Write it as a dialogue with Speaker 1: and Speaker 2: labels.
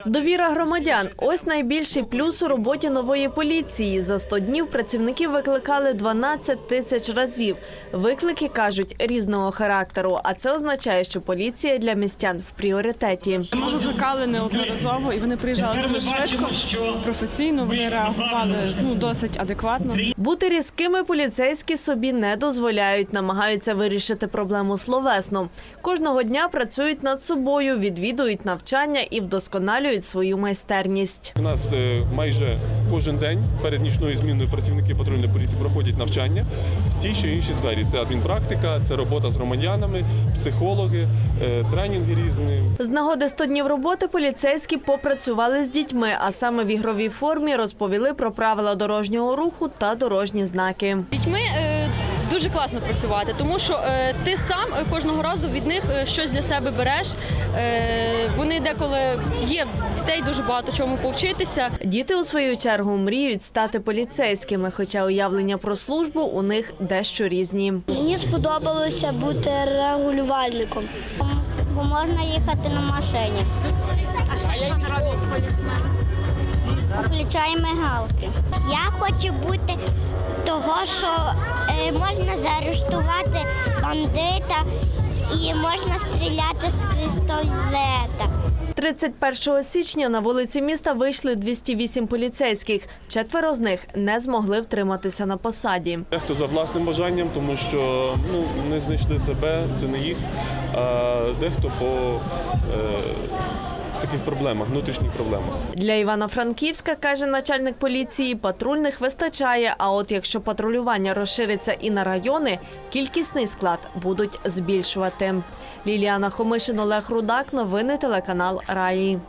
Speaker 1: Довіра громадян – ось найбільший плюс у роботі нової поліції. За 100 днів працівників викликали 12 тисяч разів. Виклики, кажуть, різного характеру, а це означає, що поліція для містян в пріоритеті.
Speaker 2: Ми викликали неодноразово, і вони приїжджали дуже швидко, професійно, вони реагували досить адекватно.
Speaker 1: Бути різкими поліцейські собі не дозволяють, намагаються вирішити проблему словесно. Кожного дня працюють над собою, відвідують навчання і вдосконалюють свою майстерність.
Speaker 3: У нас майже кожен день перед нічною зміною працівники патрульної поліції проходять навчання в тій чи іншій сфері. Це адмінпрактика, це робота з громадянами, психологи, тренінги різні.
Speaker 1: З нагоди 100 днів роботи поліцейські попрацювали з дітьми, а саме в ігровій формі розповіли про правила дорожнього руху та дорожні знаки.
Speaker 4: З дітьми дуже класно працювати, тому що ти сам кожного разу від них щось для себе береш. Вони деколи є дітей дуже багато чому повчитися.
Speaker 1: Діти, у свою чергу, мріють стати поліцейськими, хоча уявлення про службу у них дещо різні.
Speaker 5: Мені сподобалося бути регулювальником, бо можна їхати на машині.
Speaker 6: А що робить полісмен?
Speaker 5: Включає мигалки. Я хочу бути того, що можна заарештувати бандита і можна стріляти з пістолета.
Speaker 1: 31 січня на вулиці міста вийшли 208 поліцейських. 4 з них не змогли втриматися на посаді.
Speaker 3: Дехто за власним бажанням, тому що не знайшли себе, це не їх, а дехто по таких проблемах, внутрішніх проблемах.
Speaker 1: Для Івано-Франківська, каже начальник поліції, патрульних вистачає, а от якщо патрулювання розшириться і на райони, кількісний склад будуть збільшувати. Ліліана Хомишин, Олег Рудак, новини телеканал Раї.